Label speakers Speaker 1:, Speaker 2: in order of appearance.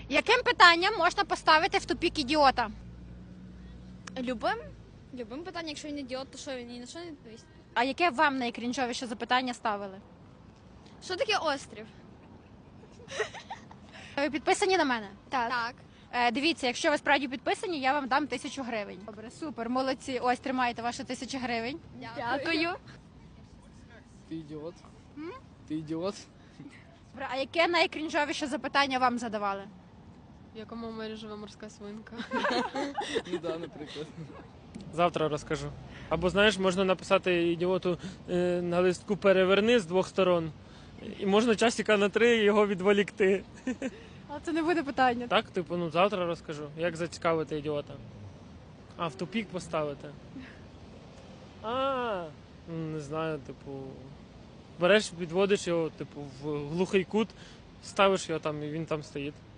Speaker 1: Яким питанням можна поставити в тупік ідіота?
Speaker 2: Любим питанням, якщо він ідіот, то що він ні на що не відповість.
Speaker 1: А яке вам найкрінжовіше запитання ставили?
Speaker 2: Що таке острів?
Speaker 1: Ви підписані на мене?
Speaker 2: Так.
Speaker 1: Дивіться, якщо ви справді підписані, я вам дам 1000 гривень. Добре, супер, молодці. Ось тримайте ваші 1000 гривень.
Speaker 2: Дякую.
Speaker 3: Ти ідіот? Ти ідіот?
Speaker 1: Добре, а яке найкрінжовіше запитання вам задавали?
Speaker 4: В якому морі живе морська свинка?
Speaker 3: Ну да, наприклад.
Speaker 5: Завтра розкажу. Або знаєш, можна написати ідіоту на листку переверни з двох сторон. І можна часика на 3 його відволікти.
Speaker 1: А це не буде питання.
Speaker 5: Так, типу, ну завтра розкажу. Як зацікавити ідіота? А, в тупік поставити. Не знаю, типу. Береш, відводиш його, типу, в глухий кут, ставиш його там і він там стоїть.